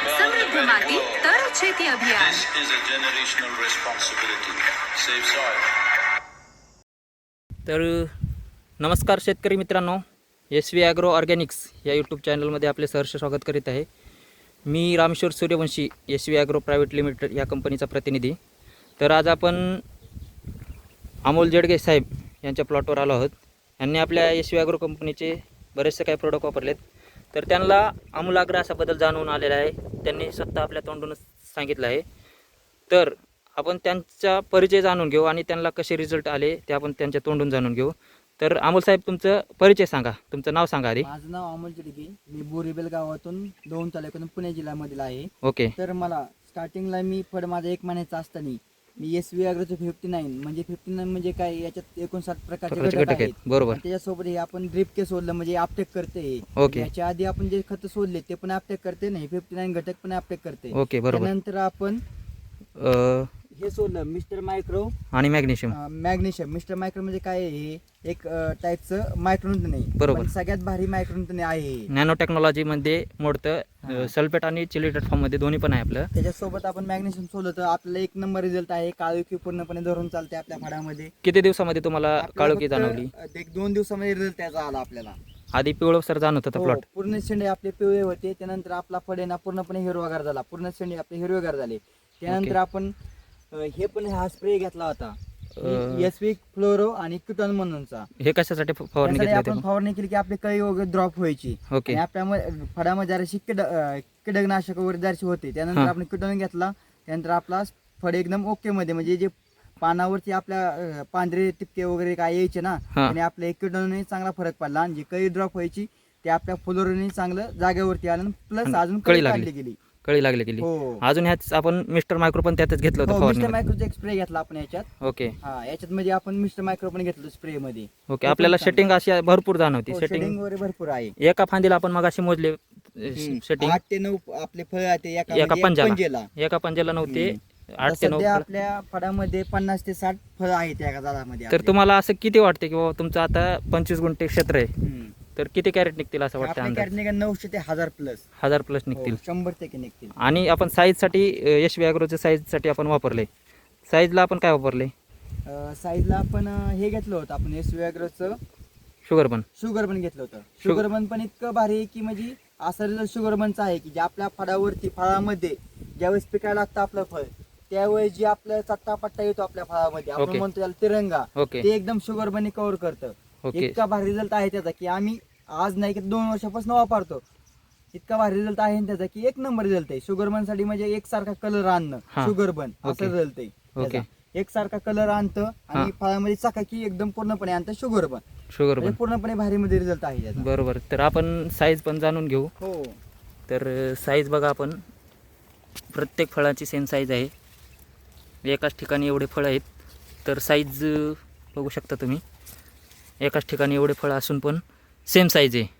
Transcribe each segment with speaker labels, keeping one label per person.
Speaker 1: समृद्ध माती तर शेती अभियान.
Speaker 2: This is a generational responsibility. Save soil.
Speaker 3: तर नमस्कार शेतकरी मित्रांनो, SV ॲग्रो ऑर्गॅनिक्स या यूट्यूब चॅनलमध्ये आपले सहर्ष स्वागत करीत आहे. मी Rameshwar Suryavanshi, SV agro private limited या कंपनीचा प्रतिनिधी. तर आज आपण अमोल जेडगे साहेब यांच्या प्लॉटवर आलो आहोत. यांनी आपल्या SV ॲग्रो कंपनीचे बरेचसे काही प्रोडक्ट वापरलेत. तर त्यांना आमूलाग्र असा बदल जाणवून आलेला आहे. त्यांनी स्वतः आपल्या तोंडूनच सांगितलं आहे. तर आपण त्यांचा परिचय जाणून घेऊ आणि त्यांना कसे रिझल्ट आले ते आपण त्यांच्या तोंडून जाणून घेऊ. तर अमोल साहेब, तुमचं परिचय सांगा, तुमचं नाव सांगा आधी.
Speaker 4: माझं नाव अमोल जेडगे, मी बोरीबेल गावातून दोन तालुक्यातून पुणे जिल्ह्यामधील आहे.
Speaker 3: ओके.
Speaker 4: तर मला स्टार्टिंगला मी फळ माझा 1 महिन्याचा असताना मी SV ॲग्रोचं 59 म्हणजे काय, याच्यात 59 प्रकारचे घटक आहेत.
Speaker 3: बरोबर.
Speaker 4: त्याच्यासोबत हे आपण ड्रिप के सोडलं म्हणजे अपटेक करते.
Speaker 3: ओके.
Speaker 4: याच्या आधी आपण जे खत सोडले ते पण अपटेक करते, नाही 59 घटक पण अपटेक करते.
Speaker 3: ओके, बरोबर.
Speaker 4: त्यानंतर आपण हे सोडलं मिस्टर मायक्रो
Speaker 3: आणि मॅग्नेशियम.
Speaker 4: मिस्टर मायक्रो म्हणजे काय आहे, हे एक टाईपचं मायक्रोन्यूटन आहे.
Speaker 3: बरोबर.
Speaker 4: पण सगळ्यात भारी मायक्रोन्यूटन आहे.
Speaker 3: नॅनो टेक्नॉलॉजी मध्ये मोडतं. सल्फेट आणि चिलिटेट फॉर्म मध्ये दोन्ही पण आहे आपलं.
Speaker 4: त्याच्यासोबत आपण मॅग्नेशियम सोडलं तर आपल्याला 1 नंबर रिझल्ट आहे. काळोखी पूर्णपणे धरून चालते आपल्या फळामध्ये.
Speaker 3: किती दिवसामध्ये तुम्हाला काळोखी जाणवली?
Speaker 4: 1-2 दिवसामध्ये रिझल्ट त्याचा आला आपल्याला.
Speaker 3: आधी पिवळसर जाणवत होता
Speaker 4: हो,
Speaker 3: प्लॉट.
Speaker 4: पूर्ण शेंडे आपले पिवळे होते. त्यानंतर आपला फळ आहे ना पूर्णपणे हिरवागार झाला. पूर्ण शेंडे आपले हिरवेगार झाले. त्यानंतर आपण हे पण हा स्प्रे घेतला होता, SV फ्लोरो आणि क्युटॉन म्हणूनचा.
Speaker 3: हे कशासाठी फवारणी
Speaker 4: त्यासाठी
Speaker 3: घेतली
Speaker 4: आपण
Speaker 3: होती?
Speaker 4: फवारणी केली की आपली कळी वगैरे ड्रॉप व्हायची.
Speaker 3: ओके.
Speaker 4: आणि आपल्या फळामध्ये जराशी कीटकनाशक वगैरे जराशी होते. त्यानंतर आपण क्युटॉन घेतला. त्यानंतर आपला फळ एकदम ओके मध्ये, म्हणजे जे पानावरती आपल्या पांढरे टिपके वगैरे काय यायचे ना, आणि आपल्या क्युटॉनने चांगला फरक पडला. आणि जी कळी ड्रॉप व्हायची ते आपल्या फ्लोरोने चांगलं जागेवरती आलं. प्लस अजून कळी लागली गेली.
Speaker 3: कळी लागली.
Speaker 4: हो.
Speaker 3: अजून ह्याच आपण मिस्टर मायक्रो पण त्यातच घेतलं होतं
Speaker 4: मिस्टर
Speaker 3: फवारणी.
Speaker 4: मायक्रोचा एक स्प्रे घेतला आपण याच्यात.
Speaker 3: ओके.
Speaker 4: हा, याच्यात म्हणजे आपण मिस्टर मायक्रो पण घेतलं स्प्रे मध्ये.
Speaker 3: ओके. आपल्याला सेटिंग अशी भरपूर जाणवती.
Speaker 4: सेटिंग वगैरे भरपूर आहे.
Speaker 3: एका फांदीला आपण मगाशी मोजले सेटिंग
Speaker 4: 8 ते 9 आपले फळ आहे
Speaker 3: एका पंजाला. एका पंजाला नव्हते 8 ते 9.
Speaker 4: सध्या आपल्या फळामध्ये 50 ते 60 फळ आहेत एका झाडामध्ये.
Speaker 3: तर तुम्हाला असं किती वाटते की बाबा तुमचं आता 25 गुंठे क्षेत्र आहे, तर किती कॅरेट निघतील असं वाटतं?
Speaker 4: आपल्या कॅरेट 900 ते 1000 प्लस.
Speaker 3: 1000 प्लस निघतील.
Speaker 4: 100% निघतील.
Speaker 3: आणि आपण साईजसाठी SV ॲग्रोच्या साईजसाठी आपण वापरले. साईजला आपण काय वापरले?
Speaker 4: साईजला आपण हे घेतलं होतं आपण SV ॲग्रोचं शुगर बन घेतलं होतं. शुगर बन पण इतकं भारी आहे की म्हणजे असा रिझल्ट शुगर बनचा आहे की जे आपल्या फळामध्ये ज्यावेळेस पिकायला लागतं आपलं फळ, त्यावेळेस जे आपलं चट्टा पट्टा येतो आपल्या फळामध्ये, आपण म्हणतो त्याला तिरंगा, ते एकदम शुगर बनी कव्हर करतं. इतका भारी रिझल्ट आहे त्याचा की आम्ही आज नाही की 2 वर्षापासून वापरतो. इतका भारी रिझल्ट आहे त्याचा की 1 नंबर रिझल्ट आहे. शुगर बन साठी म्हणजे एकसारखा कलर आणणं, शुगर बन असं रिझल्ट आहे. एकसारखा कलर आणतं आणि फळामध्ये चकाकी एकदम पूर्णपणे आणतं शुगर बन. पूर्णपणे भारी मध्ये रिझल्ट आहे त्याचा.
Speaker 3: बरोबर. तर आपण साईज पण जाणून घेऊ.
Speaker 4: हो.
Speaker 3: तर साईज बघा, आपण प्रत्येक फळाची सेम साईज आहे. एकाच ठिकाणी एवढे फळं आहेत. तर साईज बघू शकता तुम्ही. एकाच ठिकाणी एवढे फळं असून पण सेम साईज आहे.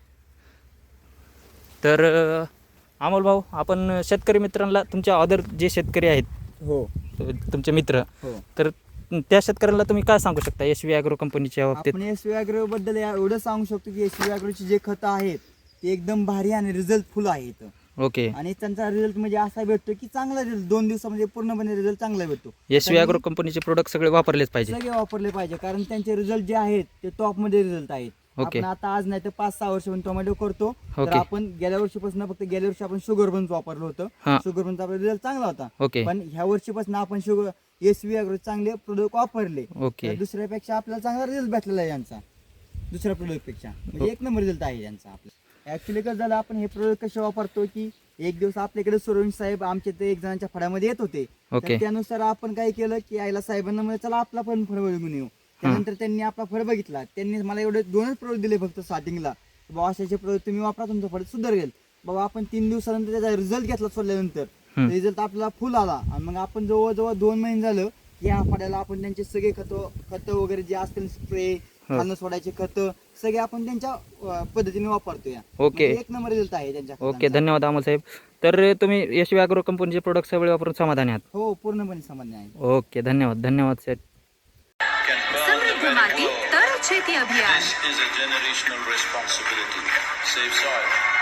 Speaker 3: तर अमोल भाऊ, आपण शेतकरी मित्रांना, तुमच्या अदर जे शेतकरी आहेत,
Speaker 4: हो,
Speaker 3: तुमचे मित्र, तर त्या शेतकऱ्यांना तुम्ही काय सांगू शकता SV ॲग्रो कंपनीच्या बाबतीत?
Speaker 4: आपण SV ॲग्रो बद्दल एवढं सांगू शकतो की SV ॲग्रोची जे खतं आहेत ते एकदम भारी आणि रिझल्टफुल आहेत.
Speaker 3: ओके.
Speaker 4: आणि त्यांचा रिझल्ट म्हणजे असा भेटतो की चांगला रिझल्ट 2 दिवसामध्ये पूर्णपणे रिझल्ट चांगला भेटतो.
Speaker 3: SV ॲग्रो कंपनीचे प्रोडक्ट सगळे वापरलेच पाहिजे.
Speaker 4: सगळे वापरले पाहिजे, कारण त्यांचे रिझल्ट जे आहेत ते टॉप मध्ये रिझल्ट आहेत. आपण आता आज नाही तर 5-6 वर्षापासून टोमॅटो करतो. तर आपण गेल्या वर्षी आपण शुगर बन वापरलं होतं. शुगर बनचा आपला रिझल्ट चांगला होता. पण ह्या वर्षीपासून आपण SV ॲग्रो चांगले प्रोडक्ट वापरले. दुसऱ्यापेक्षा आपल्याला चांगला रिझल्ट भेटलेला आहे यांचा, दुसऱ्या प्रोडक्ट पेक्षा. म्हणजे 1 नंबर रिझल्ट आहे यांचा आपला. ऍक्च्युली कसं झालं, आपण हे प्रोडक्ट कसे वापरतो की एक दिवस आपल्याकडे सूर्यवंशी साहेब आमच्या ते 1 जणांच्या फळामध्ये येत होते. त्यानुसार आपण काय केलं की आईला साहेबांना म्हणजे चला आपला पण फळ बघून येऊ. त्यानंतर त्यांनी आपला फळ बघितला. त्यांनी मला एवढे 2च प्रोडक्ट दिले फक्त स्टार्टिंगला. बाबा अशाचे प्रोडक्ट तुम्ही वापरा, तुमचं फळ सुधारेल. बाबा आपण 3 दिवसानंतर त्याचा रिझल्ट घेतला. सोडल्यानंतर रिझल्ट आपल्याला फुल आला. आणि मग आपण जवळजवळ 2 महिने झालं की या फळाला आपण त्यांचे सगळे खत वगैरे जे असतील, स्प्रे, खाणं सोडायचे खत, सगळे आपण त्यांच्या पद्धतीने वापरतोय.
Speaker 3: ओके.
Speaker 4: 1 नंबर रिझल्ट आहे त्यांच्या.
Speaker 3: ओके, धन्यवाद अमोल साहेब. तर तुम्ही SV ॲग्रो कंपनीचे प्रोडक्ट सगळे वापरून समाधानी आहात?
Speaker 4: हो, पूर्णपणे समाधानी आहे.
Speaker 3: ओके, धन्यवाद साहेब.
Speaker 1: समृद्ध माती तर शेती अभियान.
Speaker 2: This is a generational responsibility. Save soil.